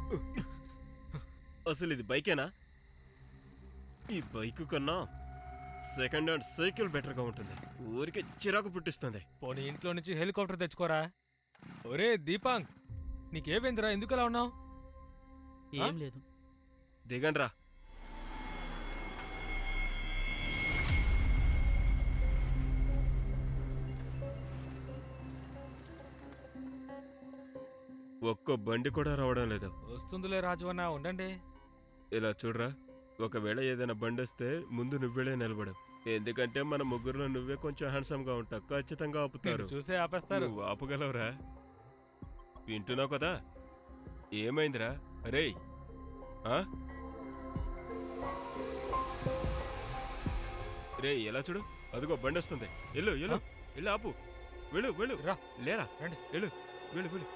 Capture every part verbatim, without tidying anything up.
అసలు ఇది బైకేనా? ఈ బైక్ కన్నా సెకండ్ హ్యాండ్ సైకిల్ బెటర్గా ఉంటుంది. ఊరికే చిరాకు పుట్టిస్తుంది. పోనీ ఇంట్లో నుంచి హెలికాప్టర్ తెచ్చుకోరా. ఒరే దీపాంగ్, నీకేమైందిరా? ఎందుకు అలా ఉన్నావు? ఏం లేదు. దిగండ్రా. ఒక్క బండి కూడా రావడం లేదు. వస్తుందిలే రాజవన్న, ఉండండి. ఇలా చూడరా, ఒకవేళ ఏదైనా బండి వస్తే ముందు నువ్వేళే నిలబడు. ఎందుకంటే మన ముగ్గురులో నువ్వే కొంచెం హ్యాండ్సమ్ గా ఉంటావు. ఖచ్చితంగా ఆపుతారు. చూసే ఆపేస్తారు. నువ్వు ఆపగలవురా? వింటున్నావు కదా? ఏమైందిరా? అరే రే, ఎలా చూడు, అదిగో బండి వస్తుంది. వెళ్ళు వెళ్ళు వెళ్ళు, ఆపు. వెళ్ళు వెళ్ళు రా. లేరా, రండి. వెళ్ళు వెళ్ళు వెళ్ళు.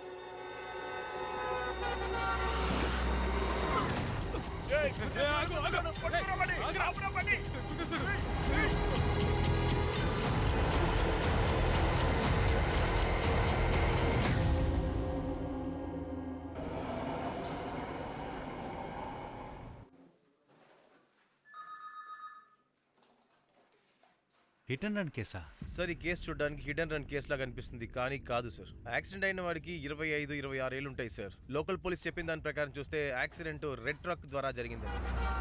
హిట్ అండ్ రన్ కేసా? సార్, ఈ కేసు చూడడానికి హిట్ అండ్ రన్ కేసు లాగా అనిపిస్తుంది, కానీ కాదు సార్. యాక్సిడెంట్ అయిన వాడికి ఇరవై ఐదు ఇరవై ఆరు ఏళ్ళు ఉంటాయి సార్. లోకల్ పోలీస్ చెప్పిన దాని ప్రకారం చూస్తే యాక్సిడెంట్ రెడ్ ట్రక్ ద్వారా జరిగిందండి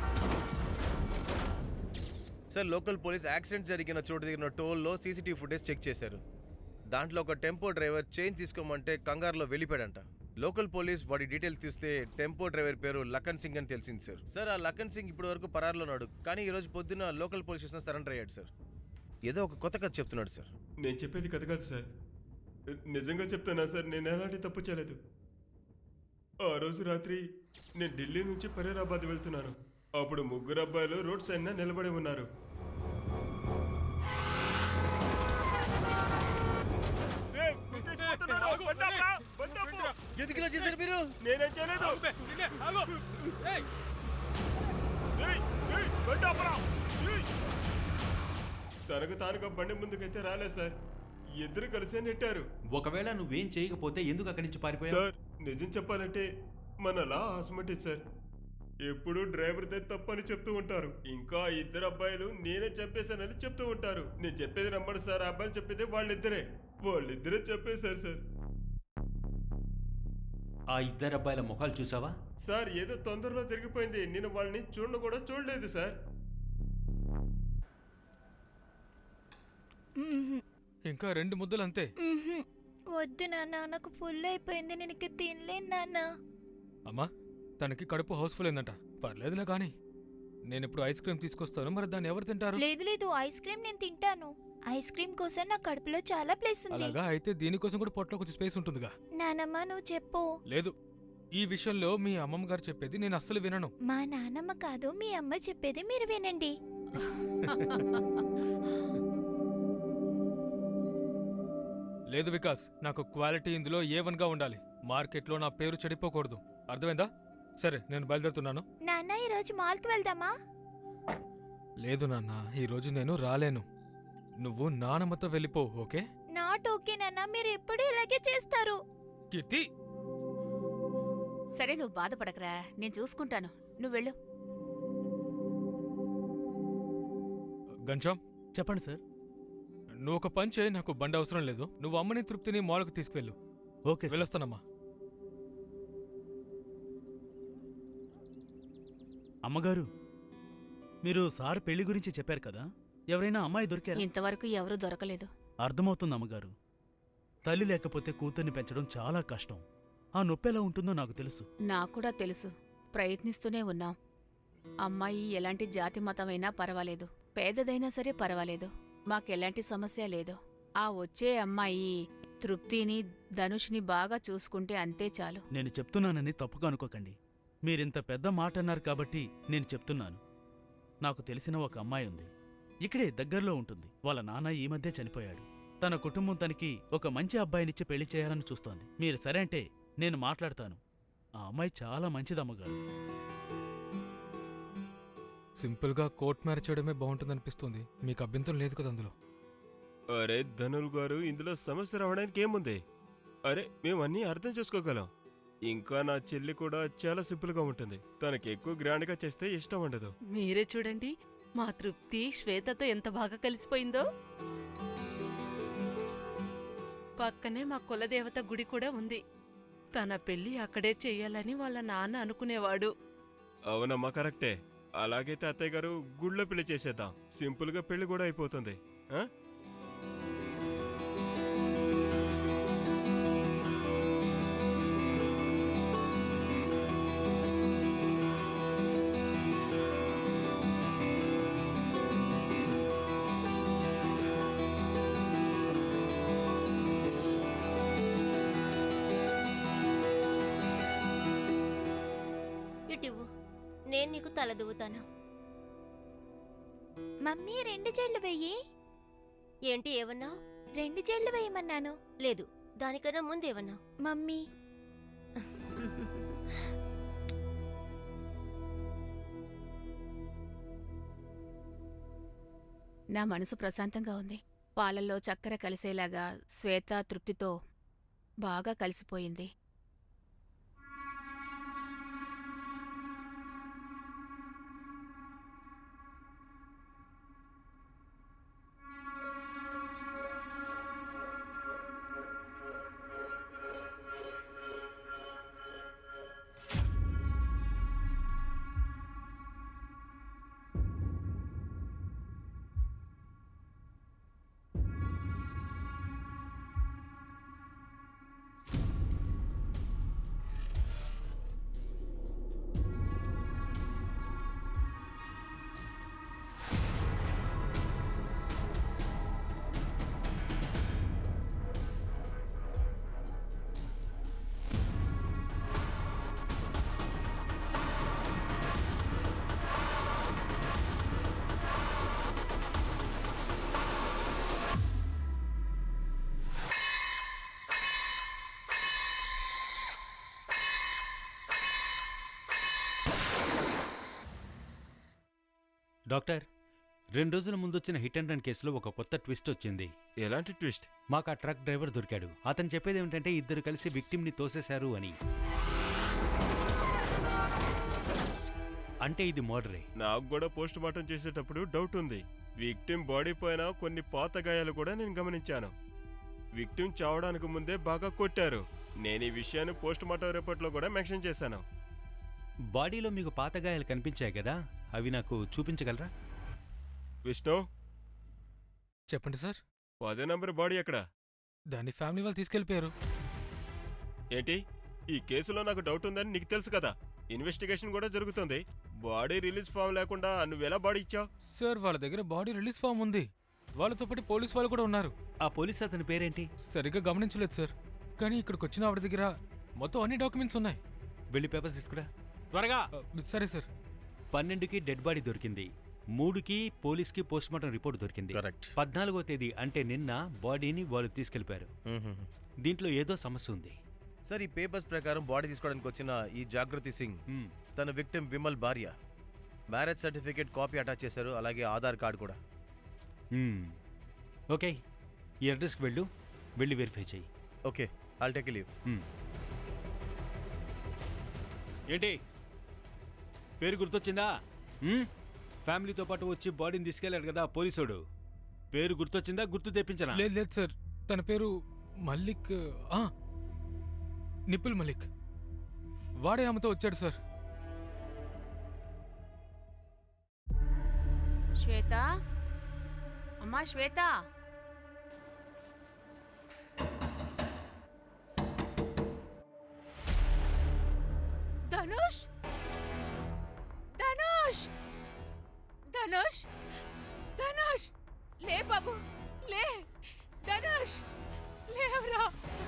సార్. లోకల్ పోలీస్ యాక్సిడెంట్ జరిగిన చోటు దగ్గర టోల్లో సీసీటీవీ ఫుటేజ్ చెక్ చేశారు. దాంట్లో ఒక టెంపో డ్రైవర్ చైన్ తీసుకోమంటే కంగారులో వెళ్ళిపోయాడంట. లోకల్ పోలీస్ వాడి డీటెయిల్స్ తీస్తే టెంపో డ్రైవర్ పేరు లఖన్ సింగ్ అని తెలిసింది సార్. సార్, ఆ లఖన్ సింగ్ ఇప్పటి వరకు పరారులో ఉన్నాడు, కానీ ఈ రోజు పొద్దున్న లోకల్ పోలీస్ స్టేషన్ సరెండర్ అయ్యాడు సార్. ఏదో ఒక కొత్త కథ చెప్తున్నాడు సార్. నేను చెప్పేది కథ కాదు సార్, నిజంగా చెప్తున్నా సార్. నేను ఎలాంటి తప్పు చేయలేదు. ఆ రోజు రాత్రి నేను ఢిల్లీ నుంచి ఫరీదాబాద్ వెళ్తున్నాను. అప్పుడు ముగ్గురు అబ్బాయిలు రోడ్ సైడ్ నిలబడి ఉన్నారు. ఎందుకు ఇలా చేశారు మీరు? నేనేం చేయలేదు. తనకు తానుగా బండి ముందుకైతే రాలేదు సార్. ఇద్దరు కలిసే నెట్టారు. ఒకవేళ నువ్వేం చేయకపోతే ఎందుకు అక్కడి నుంచి పారిపోయావు? సార్, నిజం చెప్పాలంటే మన లా హాస్మటి సార్. ఎప్పుడు డ్రైవర్దే తప్పని చెప్తూ ఉంటారు. ఇంకా ఇద్దరు అబ్బాయిలు నేనే చంపేశానని చెప్తూ ఉంటారు. నేను చెప్పేది నమ్మడు సార్. అబ్బాయిలు చెప్పేది వాళ్ళిద్దరే. వాళ్ళిద్దరే చెప్పేశారు సార్. ఆ ఇద్దరు అబ్బాయిల ముఖాలు చూసావా? సార్, ఏదో తొందరలో జరిగిపోయింది. నేను వాళ్ళని చూడను కూడా చూడలేదు సార్. ఇంకా రెండు ముద్దలు అంతే. వద్దు నాన్న, నాకు ఫుల్ అయిపోయింది. నేను ఇక తినలేను నాన్న. అమ్మా, తనకి కడుపు హౌస్ఫుల్ అయిందంట. పర్లేదులే కానీ నేను ఇప్పుడు ఐస్ క్రీమ్ తీసుకొస్తాను. మరి దాన్ని ఎవరు తింటారు? లేదు లేదు, ఐస్ క్రీమ్ నేను తింటాను. ఐస్ క్రీమ్ కోసం నా కడుపులో చాలా ప్లేస్ ఉంది. అలాగా అయితే దీనికోసం కూడా పొట్టలో కొంచెం స్పేస్ ఉంటుందిగా. నానమ్మ, నువ్వు చెప్పు. లేదు, ఈ విషయంలో మీ అమ్మమ్మ గారు చెప్పేది నేను అస్సలు వినను. మా నానమ్మ కాదు, మీ అమ్మ చెప్పేది మీరు వినండి. లేదు వికాస్, నాకు క్వాలిటీ ఇందులో ఏ వన్ గా ఉండాలి. మార్కెట్లో నా పేరు చెడిపోకూడదు. అర్థమైందా? సరే, నేను బయలుదేరుతున్నాను. నాన్న, ఈ రోజు మాల్కి వెళ్దామా? లేదు నాన్న, ఈ రోజు నేను రాలేను. నువ్వు నానమ్మతో వెళ్ళిపో. ఓకే? నాట్ ఓకే నాన్న, మీరు ఎప్పుడు ఇలాగే చేస్తారు. కీర్తి, సరే, నువ్వు బాధపడకరా, నేను చూసుకుంటాను. నువ్వు వెళ్ళు. గంజాం, చెప్పండి సార్. నువ్వు ఒక పని చేయి. నాకు బండి అవసరం లేదు. నువ్వు అమ్మని తృప్తిని మాల్కు తీసుకువెళ్ళు. ఓకే, వెళ్ళొస్తానమ్మా. అమ్మగారు, మీరు సార్ పెళ్లి గురించి చెప్పారు కదా, ఎవరైనా అమ్మాయి దొరికారా? ఇంతవరకు ఎవరూ దొరకలేదు. అర్థమవుతుంది అమ్మగారు. తల్లి లేకపోతే కూతుర్ని పెంచడం చాలా కష్టం. ఆ నొప్పి ఎలా ఉంటుందో నాకు తెలుసు. నాకు కూడా తెలుసు. ప్రయత్నిస్తూనే ఉన్నాం. అమ్మాయి ఎలాంటి జాతి మతమైనా పర్వాలేదు, పేదదైనా సరే పర్వాలేదు, మాకెలాంటి సమస్య లేదు. ఆ వచ్చే అమ్మాయి తృప్తిని, ధనుష్ని బాగా చూసుకుంటే అంతే చాలు. నేను చెప్తున్నానని తప్పుగా అనుకోకండి. మీరింత పెద్ద మాట అన్నారు కాబట్టి నేను చెప్తున్నాను. నాకు తెలిసిన ఒక అమ్మాయి ఉంది, ఇక్కడే దగ్గరలో ఉంటుంది. వాళ్ళ నాన్న ఈ మధ్య చనిపోయాడు. తన కుటుంబం తనకి ఒక మంచి అబ్బాయినిచ్చి పెళ్లి చేయాలని చూస్తోంది. మీరు సరే అంటే నేను మాట్లాడతాను. ఆ అమ్మాయి చాలా మంచిదమ్మగారు. సింపుల్గా కోర్ట్ మ్యారేజ్ చేయడమే బాగుంటుందనిపిస్తుంది. మీకు అభ్యంతరం లేదు కదా అందులో? అరే ధనుల్ గారు, ఇందులో సమస్య రావడానికి ఏముంది? అరే, మేము అన్నీ అర్థం చేసుకోగలం. ఇంకా నా చెల్లి కూడా చాలా సింపుల్ గా ఉంటుంది. తనకి ఎక్కువ గ్రాండ్ గా చేస్తే ఇష్టం ఉండదు. మీరే చూడండి మా తృప్తి శ్వేతతో ఎంత బాగా కలిసిపోయిందో. పక్కనే మా కులదేవత గుడి కూడా ఉంది. తన పెళ్లి అక్కడే చెయ్యాలని వాళ్ళ నాన్న అనుకునేవాడు. అవునమ్మా, కరెక్టే. అలాగైతే అత్తయ్య గారు గుళ్ళో పెళ్లి చేసేద్దాం. సింపుల్ గా పెళ్లి కూడా అయిపోతుంది. ఆ? ఇటివ్వు, నేను నీకు తల దువ్వుతాను. మమ్మీ రెండు జెళ్ళు వెయ్యి. ఏంటి ఏమన్నావు? రెండు జెళ్ళు వేయమన్నాను. లేదు, దానికన్నా ముందేమన్నావు? మమ్మీ నా మనసు ప్రశాంతంగా ఉంది. పాలల్లో చక్కెర కలిసేలాగా శ్వేత తృప్తితో బాగా కలిసిపోయింది. డాక్టర్, రెండు రోజుల ముందొచ్చిన హిట్ అండ్ రన్ కేసులో ఒక కొత్త ట్విస్ట్ వచ్చింది. ఎలాంటి ట్విస్ట్? మాకు ఆ ట్రక్ డ్రైవర్ దొరికాడు. అతను చెప్పేది ఏమిటంటే ఇద్దరు కలిసి విక్టిమ్ని తోసేశారు అని. అంటే ఇది మర్డరే. నాకు కూడా పోస్ట్ మార్టం చేసేటప్పుడు డౌట్ ఉంది. విక్టిమ్ బాడీ పైన కొన్ని పాత గాయాలు కూడా నేను గమనించాను. విక్టిమ్ చావడానికి ముందే బాగా కొట్టారు. నేను ఈ విషయాన్ని పోస్ట్ మార్టం రిపోర్ట్లో కూడా మెన్షన్ చేశాను. బాడీలో మీకు పాత గాయాలు కనిపించాయి కదా, అవి నాకు చూపించగలరా? విష్ణు, చెప్పండి సార్. పదే నంబర్ బాడీ ఎక్కడ? దాన్ని ఫ్యామిలీ వాళ్ళు తీసుకెళ్ళిపోయారు. ఏంటి? ఈ కేసులో నాకు డౌట్ ఉందని నీకు తెలుసు కదా. ఇన్వెస్టిగేషన్ కూడా జరుగుతుంది. బాడీ రిలీజ్ ఫామ్ లేకుండా నువ్వెలా బాడీ ఇచ్చావు? సార్, వాళ్ళ దగ్గర బాడీ రిలీజ్ ఫామ్ ఉంది. వాళ్ళతో పాటు పోలీస్ వాళ్ళు కూడా ఉన్నారు. ఆ పోలీస్ అతని పేరేంటి? సరిగ్గా గమనించలేదు సార్, కానీ ఇక్కడికి వచ్చిన ఆవిడ దగ్గర మొత్తం అన్ని డాక్యుమెంట్స్ ఉన్నాయి. వెళ్ళి పేపర్స్ తీసుకురా త్వరగా. ఆ, సరే సార్. పన్నెండుకి డెడ్ బాడీ దొరికింది. మూడుకి పోలీస్కి పోస్ట్మార్టం రిపోర్ట్ దొరికింది. కరెక్ట్. పద్నాలుగో తేదీ అంటే నిన్న బాడీని వాళ్ళు తీసుకెళ్లిపారు. దీంట్లో ఏదో సమస్య ఉంది. సార్, ఈ పేపర్స్ ప్రకారం బాడీ తీసుకోవడానికి వచ్చిన ఈ జాగృతి సింగ్ హ్మ్. తన విక్టిమ్ విమల్ భార్య. మ్యారేజ్ సర్టిఫికేట్ కాపీ అటాచ్ చేశారు, అలాగే ఆధార్ కార్డు కూడా. హ్మ్. ఓకే, ఈ అడ్రస్కి వెళ్ళు, వెళ్ళి వెరిఫై చెయ్యి. Okay, I'll take leave. Hmm. ఏంటి పేరు గుర్తొచ్చిందా? హ్మ్? ఫ్యామిలీతో పాటు వచ్చి బాడీని తీసుకెళ్ళాడు కదా పోలీసుడు. పేరు గుర్తొచ్చిందా? గుర్తు తెప్పించనా? లేదు లేదు సార్, తన పేరు మల్లిక్. ఆ, నిపుల్ మలిక్. వాడే ఆమెతో వచ్చాడు సార్. శ్వేత, అమ్మా శ్వేత. ధనుష్, ధనుష్, ధనుష్, ధనుష్, లే బాబు, లే. ధనుష్, లేవరా.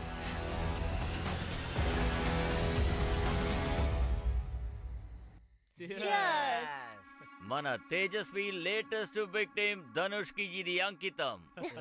మన తేజస్వి లేటెస్ట్ విక్టిమ్ ధనుష్ కి ఇది అంకితం.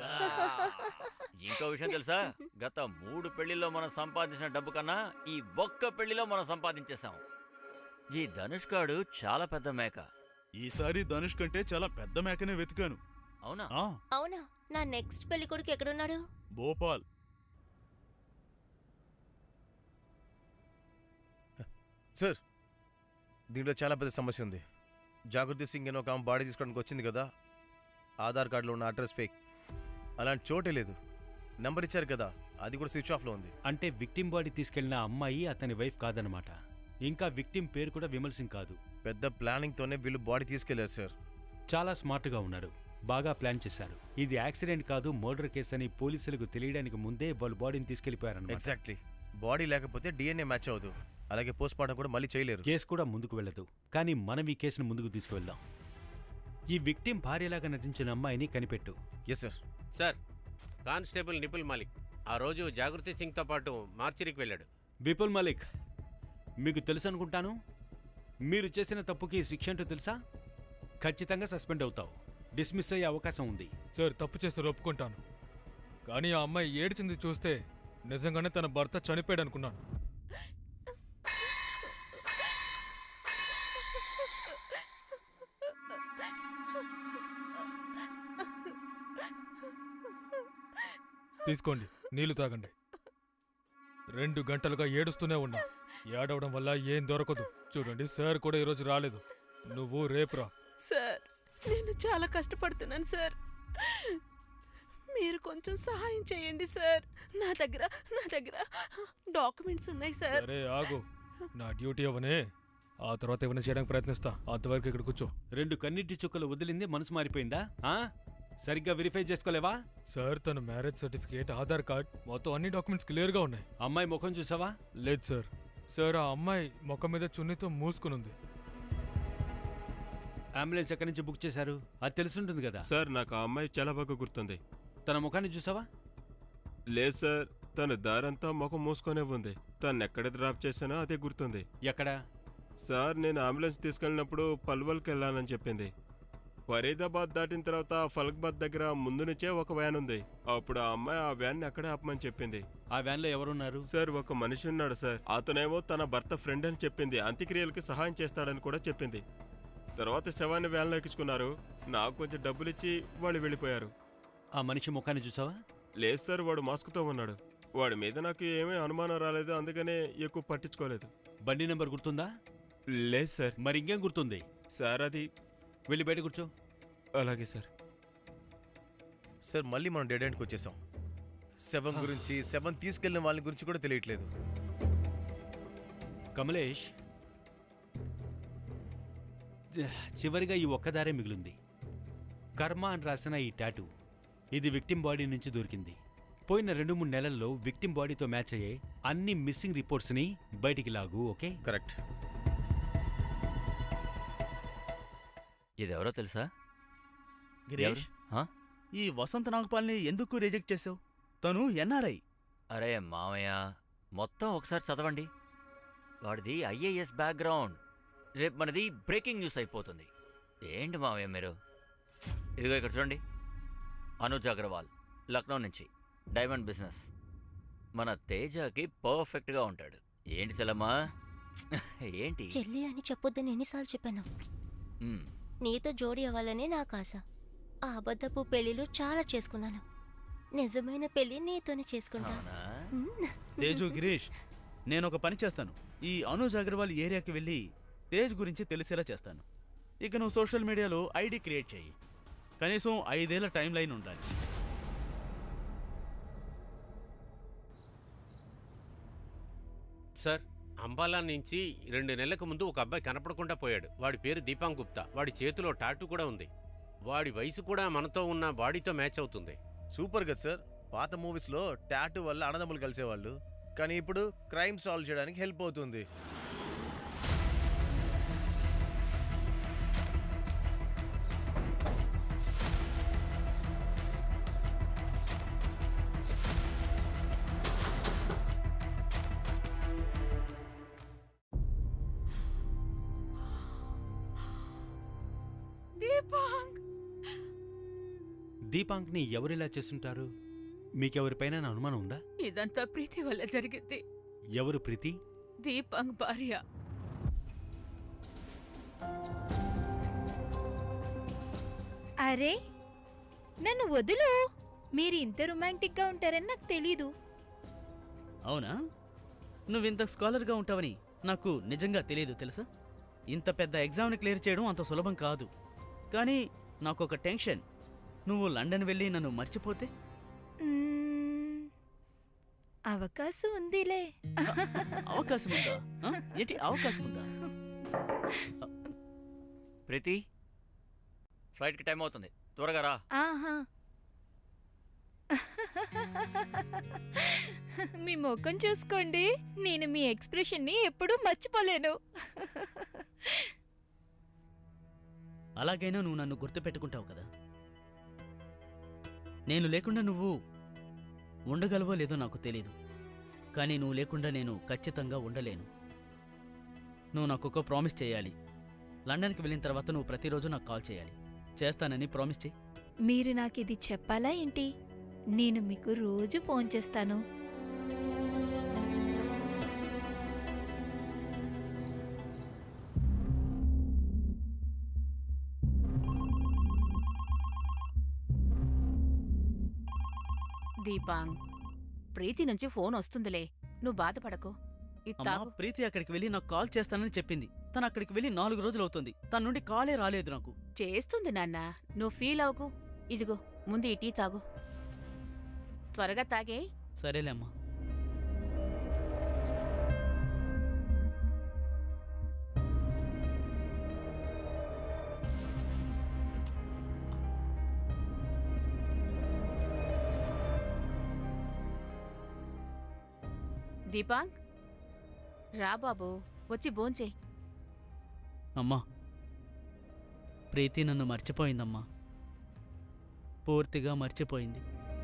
ఇంకో విషయం తెలుసా? గత మూడు పెళ్లిలో మనం సంపాదించిన డబ్బు కన్నా ఈ ఒక్క పెళ్లిలో మనం సంపాదించేశాం. ఈ ధనుష్ గాడు చాలా పెద్ద మేక. ఈసారి ధనుష్ కంటే చాలా పెద్ద మేకనే వెతికాను. అవునా? ఆ, అవునా? నా నెక్స్ట్ పెళ్లి కొడుకు ఎక్కడున్నాడు? భోపాల్. సార్ దీంట్లో చాలా పెద్ద సమస్య ఉంది. జాగృతి సింగ్ అని ఒక ఆమె బాడీ తీసుకోవడానికి వచ్చింది కదా, ఆధార్ కార్డులో ఉన్న అడ్రస్ ఫేక్. అలాంటి చోటే లేదు. నెంబర్ ఇచ్చారు కదా, అది కూడా స్విచ్ ఆఫ్లో ఉంది. అంటే విక్టిమ్ బాడీ తీసుకెళ్లిన అమ్మాయి అతని వైఫ్ కాదనమాట. ఇంకా విక్టిమ్ పేరు కూడా విమల్ సింగ్ కాదు. పెద్ద ప్లానింగ్తోనే వీళ్ళు బాడీ తీసుకెళ్లారు సార్. చాలా స్మార్ట్గా ఉన్నారు, బాగా ప్లాన్ చేశారు. ఇది యాక్సిడెంట్ కాదు, మర్డర్ కేసు అని పోలీసులకు తెలియడానికి ముందే వాళ్ళు బాడీని తీసుకెళ్లిపోయారన్నమాట. ఎగ్జాక్ట్లీ. బాడీ లేకపోతే డిఎన్ఏ మ్యాచ్ అవ్వదు, అలాగే పోస్ట్ మార్టం కూడా మళ్ళీ చేయలేరు. కేసు కూడా ముందుకు వెళ్ళదు. కానీ మనం ఈ కేసును ముందుకు తీసుకువెళ్దాం. ఈ విక్టిమ్ భార్యలాగా నటించిన అమ్మాయిని కనిపెట్టు. Yes sir. Sir, constable Nipul Malik ఆ రోజు జాగృతి సింగ్తో పాటు మార్చిరికి వెళ్ళాడు. విపుల్ మలిక్, మీకు తెలుసు అనుకుంటాను. మీరు చేసిన తప్పుకి శిక్ష ఏంటో తెలుసా? ఖచ్చితంగా సస్పెండ్ అవుతావు. డిస్మిస్ అయ్యే అవకాశం ఉంది. సార్, తప్పు చేస్తే ఒప్పుకుంటాను. కానీ ఆ అమ్మాయి ఏడ్చింది చూస్తే నిజంగానే తన భర్త చనిపోయాడు అనుకున్నాను. తీసుకోండి, నీళ్లు తాగండి. రెండు గంటలుగా ఏడుస్తూనే ఉన్నా. ఏడవడం వల్ల ఏం దొరకదు. చూడండి, సార్ కూడా ఈరోజు రాలేదు. నువ్వు రేపురా. సార్, నేను చాలా కష్టపడుతున్నాను సార్. మీరు కొంచెం సహాయం చేయండి సార్. నా దగ్గర నా దగ్గర డాక్యుమెంట్స్ ఉన్నాయి సార్. సరే ఆగు, నా డ్యూటీ అవనే. ఆ తర్వాత ఏమైనా చేయడానికి ప్రయత్నిస్తా. అంతవరకు ఇక్కడ కూర్చో. రెండు కన్నిటి చుక్కలు వదిలింది మనసు మారిపోయిందా? ఆ? సరిగ్గా వెరిఫై చేసుకోలేవా? సార్, తన మ్యారేజ్ సర్టిఫికేట్, ఆధార్ కార్డ్, మొత్తం అన్ని డాక్యుమెంట్స్ క్లియర్గా ఉన్నాయి. అమ్మాయి ముఖం చూసావా? లేదు సార్. సార్, ఆ అమ్మాయి ముఖం మీద చున్నీతో మూసుకునుంది. అంబులెన్స్ ఎక్కడి నుంచి బుక్ చేశారు? అది తెలుసుంటుంది కదా. సార్, నాకు ఆ అమ్మాయి చాలా బాగా గుర్తుంది. తన ముఖాన్ని చూసావా? లేదు సార్, తన దారంతా ముఖం మూసుకొనే ఉంది. తను ఎక్కడ డ్రాప్ చేశానో అదే గుర్తుంది. ఎక్కడ? సార్, నేను అంబులెన్స్ తీసుకెళ్ళినప్పుడు పల్వల్కి వెళ్ళానని చెప్పింది. ఫరీదాబాద్ దాటిన తర్వాత ఫలక్బాద్ దగ్గర ముందు నుంచే ఒక వ్యాన్ ఉంది. అప్పుడు ఆ అమ్మాయి ఆ వ్యాన్ని అక్కడే ఆపమని చెప్పింది. ఆ వ్యాన్లో ఎవరున్నారు? సార్, ఒక మనిషి ఉన్నాడు సార్. అతనేమో తన భర్త ఫ్రెండ్ అని చెప్పింది. అంత్యక్రియలకి సహాయం చేస్తాడని కూడా చెప్పింది. తర్వాత శవాన్ని వ్యాన్లో ఎక్కించుకున్నారు. నాకు కొంచెం డబ్బులు ఇచ్చి వాళ్ళు వెళ్ళిపోయారు. ఆ మనిషి ముఖాన్ని చూసావా? లేదు సార్, వాడు మాస్క్తో ఉన్నాడు. వాడి మీద నాకు ఏమీ అనుమానం రాలేదు, అందుకనే ఎక్కువ పట్టించుకోలేదు. బండి నెంబర్ గుర్తుందా? లేదు సార్. మరి ఇంకేం గుర్తుంది? సార్, అది వెళ్ళి బయట కూర్చో. అలాగే సార్. సార్, మళ్ళీ మనం డెడ్ ఎండ్కి వచ్చేసాం. శవం గురించి, శవం తీసుకెళ్లిన వాళ్ళ గురించి కూడా తెలియట్లేదు. కమలేష్, చివరిగా ఈ ఒక్కదారే మిగిలింది. కర్మ అని రాసిన ఈ టాటూ, ఇది విక్టిమ్ బాడీ నుంచి దొరికింది. పోయిన రెండు మూడు నెలల్లో విక్టిమ్ బాడీతో మ్యాచ్ అయ్యే అన్ని మిస్సింగ్ రిపోర్ట్స్ని బయటికి లాగు. ఓకే? కరెక్ట్. ఇదెవరో తెలుసా? గిరీష్, ఆ? ఈ వసంత నాగపాల్ని ఎందుకు రిజెక్ట్ చేసావు? తను ఎన్ఆర్ఐ. అరే మామయ్య, మొత్తం ఒకసారి చదవండి. వాడిది ఐఏఎస్ బ్యాక్గ్రౌండ్. రేపు మనది బ్రేకింగ్ న్యూస్ అయిపోతుంది. ఏంటి మామయ్య మీరు? ఇదిగో ఇక్కడ చూడండి. అనుజ్ అగర్వాల్, లక్నో నుంచి, డైమండ్ బిజినెస్. మన తేజకి పర్ఫెక్ట్గా ఉంటాడు. ఏంటి సెలమ్మా? ఏంటి? చెల్లి అని చెప్పొద్దని ఎన్నిసార్లు చెప్పాను. మ్, నీతో జోడీ అవ్వాలనే నాకు ఆశ. ఆ అబద్ధపు పెళ్లిలు చాలా చేసుకున్నాను. నిజమైన పెళ్లి నీతోనే చేసుకుంటా. అవునా? మ్. తేజు, గిరీష్, నేను ఒక పని చేస్తాను. ఈ అనుజ్ అగర్వాల్ ఏరియాకి వెళ్ళి తేజ్ గురించి తెలిసేలా చేస్తాను. ఇక నువ్వు సోషల్ మీడియాలో ఐడి క్రియేట్ చేయి. కనీసం ఐదేళ్ల టైం లైన్ ఉండాలి. సార్, అంబాలా నుంచి రెండు నెలలకు ముందు ఒక అబ్బాయి కనపడకుండా పోయాడు. వాడి పేరు దీపాంగ్ గుప్తా. వాడి చేతిలో టాటూ కూడా ఉంది. వాడి వయసు కూడా మనతో ఉన్న బాడీతో మ్యాచ్ అవుతుంది. సూపర్ కదా సార్. పాత మూవీస్లో టాటూ వల్ల అన్నదమ్ములు కలిసేవాళ్ళు, కానీ ఇప్పుడు క్రైమ్ సాల్వ్ చేయడానికి హెల్ప్ అవుతుంది. దీపాంగ్, దీపాంక్ని ఎవరిలా చేస్తుంటారు? మీకెవరిపైన అనుమానం ఉందా? ఇదంతా ప్రీతి వల్ల జరిగింది. ఎవరు ప్రీతి? దీపాంగ్ భార్య. అరే, నన్ను వదులు. మీరు ఇంత రొమాంటిక్గా ఉంటారని నాకు తెలీదు. అవునా? నువ్వింత స్కాలర్గా ఉంటావని నాకు నిజంగా తెలియదు తెలుసా? ఇంత పెద్ద ఎగ్జామ్ని క్లియర్ చేయడం అంత సులభం కాదు. కానీ నాకు ఒక టెన్షన్, నువ్వు లండన్ వెళ్ళి నన్ను మర్చిపోతే? మ్మ్, అవకాశం ఉందిలే. అవకాశం ఉందా? ఆ? ఏంటి అవకాశం ఉందా? ప్రీతి, ఫ్లైట్కి టైం అవుతుంది, త్వరగా రా. ఆహా. మీ ముఖం చూసుకోండి, నేను మీ ఎక్స్ప్రెషన్ని ఎప్పుడూ మర్చిపోలేను. అలాగైనా నువ్వు నన్ను గుర్తుపెట్టుకుంటావు కదా. నేను లేకుండా నువ్వు ఉండగలవో లేదో నాకు తెలీదు, కానీ నువ్వు లేకుండా నేను ఖచ్చితంగా ఉండలేను. నువ్వు నాకు ఒక ప్రామిస్ చేయాలి. లండన్కి వెళ్ళిన తర్వాత నువ్వు ప్రతిరోజు నాకు కాల్ చేయాలి. చేస్తానని ప్రామిస్ చేయి. మీరు నాకు ఇది చెప్పాలా ఏంటి? నేను మీకు రోజు ఫోన్ చేస్తాను. దీపాంగ్, ప్రీతి నుంచి ఫోన్ వస్తుందిలే, నువ్వు బాధపడకు. ఇది అమ్మా, తాగు. ప్రీతి అక్కడికి వెళ్ళి నాకు కాల్ చేస్తానని చెప్పింది. తను అక్కడికి వెళ్ళి నాలుగు రోజులు అవుతుంది. తన నుండి కాలే రాలేదు నాకు. చేస్తుంది నాన్న, నువ్వు ఫీల్ అవ్వకు. ఇదిగో ముందు ఈ టీ తాగు, త్వరగా తాగే. సరేలే అమ్మా. దీపాంగ్, రా బాబు, వచ్చి భోంచే. అమ్మా, ప్రీతి నన్ను మర్చిపోయిందమ్మా. పూర్తిగా మర్చిపోయింది.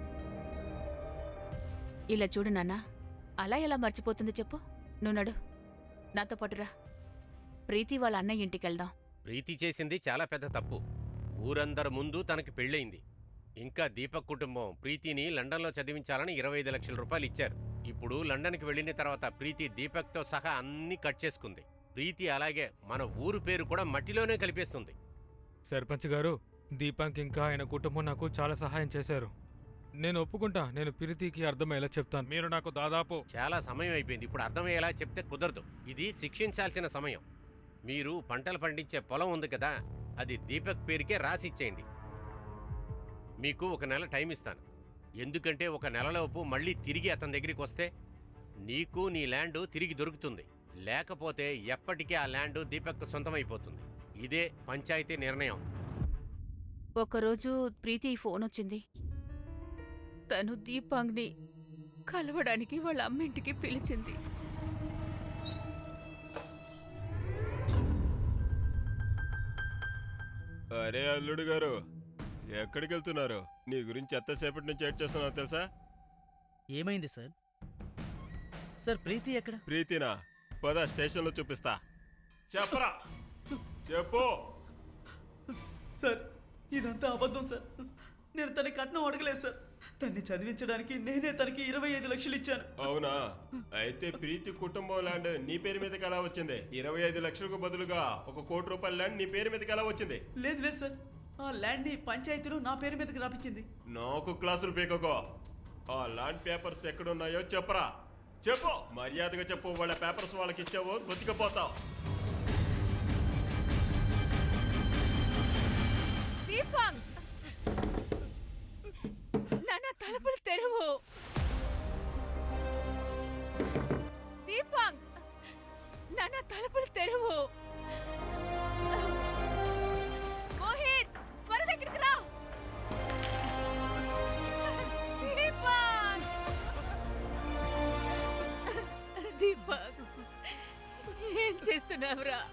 ఇలా చూడు నాన్న, అలా ఎలా మర్చిపోతుంది చెప్పు. నువ్వు నడు, నాతో పాటురా. ప్రీతి వాళ్ళ అన్నయ్య ఇంటికెళ్దాం. ప్రీతి చేసింది చాలా పెద్ద తప్పు. ఊరందరి ముందు తనకి పెళ్ళయింది. ఇంకా దీపక్ కుటుంబం ప్రీతిని లండన్లో చదివించాలని ఇరవై ఐదు లక్షల రూపాయలు ఇచ్చారు. ఇప్పుడు లండన్కి వెళ్ళిన తర్వాత ప్రీతి దీపక్తో సహా అన్నీ కట్ చేసుకుంది. ప్రీతి అలాగే మన ఊరు పేరు కూడా మట్టిలోనే కలిపేస్తుంది. సర్పంచ్ గారు, దీపాంక్ ఇంకా ఆయన కుటుంబం నాకు చాలా సహాయం చేశారు. నేను ఒప్పుకుంటా. నేను ప్రీతికి అర్థమయ్యేలా చెప్తాను. మీరు నాకు దాదాపు చాలా సమయం అయిపోయింది. ఇప్పుడు అర్థమయ్యేలా చెప్తే కుదరదు. ఇది శిక్షించాల్సిన సమయం. మీరు పంటలు పండించే పొలం ఉంది కదా, అది దీపక్ పేరుకే రాసిచ్చేయండి. మీకు ఒక నెల టైం ఇస్తాను. ఎందుకంటే ఒక నెలలోపు మళ్ళీ తిరిగి అతని దగ్గరికి వస్తే నీకు నీ ల్యాండ్ తిరిగి దొరుకుతుంది. లేకపోతే ఎప్పటికీ ఆ ల్యాండ్ దీపక్ సొంతమైపోతుంది. ఇదే పంచాయతీ నిర్ణయం. ఒకరోజు ప్రీతి ఫోన్ వచ్చింది. తను దీపాంగ్ని కలవడానికి వాళ్ళ అమ్మింటికి పిలిచింది. అరే అల్లుడు గారు, ఎక్కడికి వెళ్తున్నారు? నీ గురించి ఎంతసేపటి నుంచి వెయిట్ చేస్తున్నావు తెలుసా? ఏమైంది సార్? సార్ ప్రీతి ఎక్కడ? ప్రీతినా? పద, స్టేషన్లో చూపిస్తా. చెప్పరా, చెప్పు. సార్ ఇదంతా అబద్ధం సార్. నేను తనకి కట్నం అడగలేదు సార్. తన్ని చదివించడానికి నేనే తనకి ఇరవై ఐదు లక్షలు ఇచ్చాను. అవునా? అయితే ప్రీతి కుటుంబం ల్యాండ్ నీ పేరు మీదకి ఎలా వచ్చింది? ఇరవై ఐదు లక్షలకు బదులుగా ఒక కోటి రూపాయల ల్యాండ్ నీ పేరు మీదకి ఎలా వచ్చింది? లేదు లేదు సార్, ఆ ల్యాండ్ ని పంచాయతీలో నా పేరు మీదకి రాపించింది. నాకు క్లాసులు పీకకో. ఆ ల్యాండ్ పేపర్స్ ఎక్కడున్నాయో చెప్పరా, చెప్పు. మర్యాదగా చెప్పు. వాళ్ళ పేపర్స్ వాళ్ళకి ఇచ్చావో బతికిపోతావు. దీపాంగ్, నాన్న తలుపులు తెరువు. దీపాంగ్, నాన్న తలుపులు తెరువు. మోహిత్, త్వరగా ఇక్కడికి రా. దీపాంగ్, దీపాంగ్, ఏం చేస్తున్నావురా?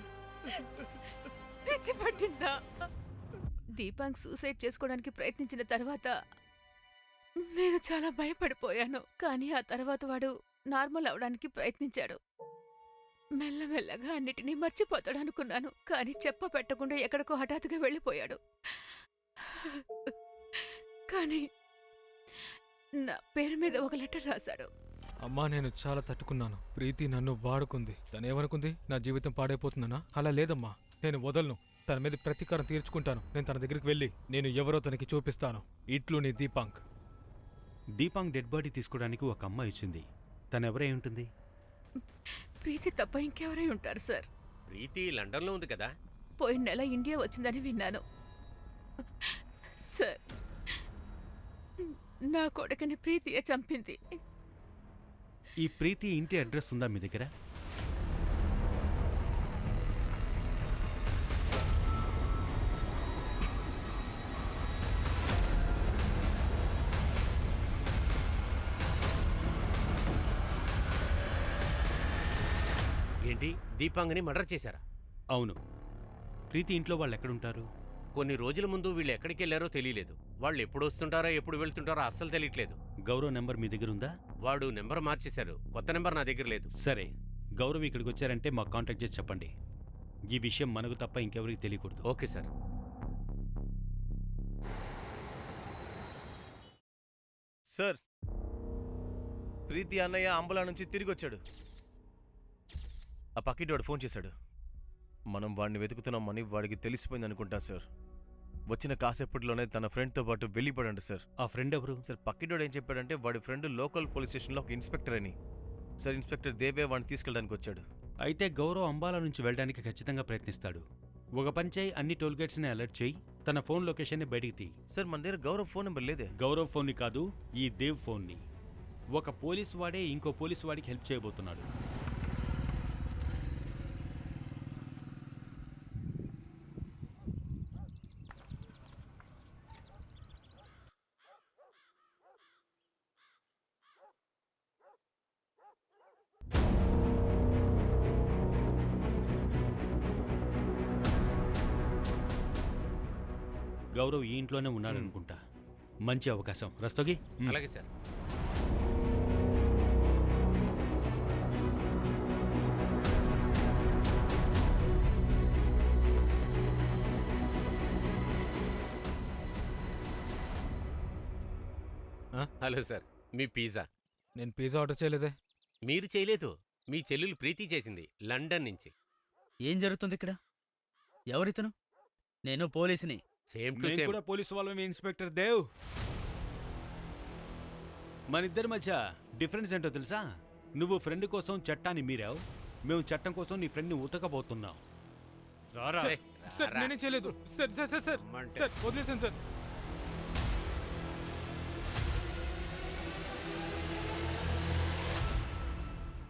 పిచ్చి పట్టిందా? దీపాంగ్ సూసైడ్ చేసుకోవడానికి ప్రయత్నించిన తర్వాత నేను చాలా భయపడిపోయాను. కానీ ఆ తర్వాత వాడు నార్మల్ అవడానికి ప్రయత్నించాడు. మెల్లమెల్లగా అన్నిటినీ మర్చిపోతాడు అనుకున్నాను. కానీ చెప్ప పెట్టకుండా ఎక్కడికో హఠాత్తుగా వెళ్ళిపోయాడు. కానీ నా పేరు మీద ఒక లెటర్ రాశాడు. అమ్మా, నేను చాలా తట్టుకున్నాను. ప్రీతి నన్ను వాడుకుంది. తనేమనుకుంది? నా జీవితం పాడైపోతుందనా? అలా లేదమ్మా, నేను వదలను. తన మీద ప్రతీకారం తీర్చుకుంటాను. నేను తన దగ్గరికి వెళ్ళి నేను ఎవరో తనకి చూపిస్తాను. ఇట్లు నీ దీపాంక్. దీపాంగ్ డెడ్ బాడీ తీసుకోవడానికి ఒక అమ్మాయి వచ్చింది. తనెవరై ఉంటుంది? ప్రీతి తప్ప ఇంకెవరై ఉంటారు సార్? ప్రీతి లండన్లో ఉంది కదా. పోయిన నెల ఇండియా వచ్చిందని విన్నాను సార్. నా కొడుకుని ప్రీతియే చంపింది. ఈ ప్రీతి ఇంటి అడ్రస్ ఉందా మీ దగ్గర? ఏంటి, దీపాంగిని మర్డర్ చేశారా? అవును. ప్రీతి ఇంట్లో వాళ్ళు ఎక్కడుంటారు? కొన్ని రోజుల ముందు వీళ్ళు ఎక్కడికి వెళ్ళారో తెలియలేదు. వాళ్ళు ఎప్పుడు వస్తుంటారో ఎప్పుడు వెళ్తుంటారో అస్సలు తెలియట్లేదు. గౌరవ్ నెంబర్ మీ దగ్గర ఉందా? వాడు నెంబర్ మార్చేశారు, కొత్త నెంబర్ నా దగ్గర లేదు. సరే, గౌరవ్ ఇక్కడికి వచ్చారంటే మాకు కాంటాక్ట్ చేసి చెప్పండి. ఈ విషయం మనకు తప్ప ఇంకెవరికి తెలియకూడదు. Okay sir. సార్, ప్రీతి అన్నయ్య అంబులా నుంచి తిరిగి వచ్చాడు. ఆ పక్కింటి వాడు ఫోన్ చేశాడు. మనం వాడిని వెతుకుతున్నామని వాడికి తెలిసిపోయింది అనుకుంటా సార్. వచ్చిన కాసేపట్లోనే తన ఫ్రెండ్తో పాటు వెళ్ళిపోయాడు సార్. ఆ ఫ్రెండ్ ఎవరు? సార్, పక్కింటి ఏం చెప్పాడంటే వాడి ఫ్రెండ్ లోకల్ పోలీస్ స్టేషన్లో ఒక ఇన్స్పెక్టర్ అని. సార్, ఇన్స్పెక్టర్ దేవే వాడిని తీసుకెళ్ళడానికి వచ్చాడు. అయితే గౌరవ్ అంబాలా నుంచి వెళ్ళడానికి ఖచ్చితంగా ప్రయత్నిస్తాడు. ఒక పని చేయి, అన్ని టోల్గేట్స్ని అలర్ట్ చేయి, తన ఫోన్ లొకేషన్ని బయటికి తీ. సార్, మన దగ్గర గౌరవ్ ఫోన్ నెంబర్ లేదే. గౌరవ్ ఫోన్ని కాదు, ఈ దేవ్ ఫోన్ని. ఒక పోలీస్ వాడే ఇంకో పోలీస్ వాడికి హెల్ప్ చేయబోతున్నాడు. గౌరవ్ ఈ ఇంట్లోనే ఉన్నాడనుకుంటా. మంచి అవకాశం. రస్తోగి. అలాగే సార్. ఆ? హలో సార్, మీ పిజ్జా. నేను పిజ్జా ఆర్డర్ చేయలేదే. మీరు చేయలేదు, మీ చెల్లెలు ప్రీతి చేసింది, లండన్ నుంచి. ఏం జరుగుతుంది ఇక్కడ? ఎవరితను? నేను పోలీసుని. సేమ్ టు నేను సేమ్. కూడా పోలీసు వాళ్ళమే, ఇన్స్పెక్టర్ దేవ్. మన ఇద్దరి మధ్య డిఫరెన్స్ ఏంటో తెలుసా? నువ్వు ఫ్రెండ్ కోసం చట్టాన్ని మీరావు, మేము చట్టం కోసం నీ ఫ్రెండ్ని ఉతకబోతున్నాం. రారా. ఛే, సార్ రా. నేనే చేయలేదు. సార్ సార్ సార్ సార్ అమ్మంటే. సార్ వదిలేసాను సార్.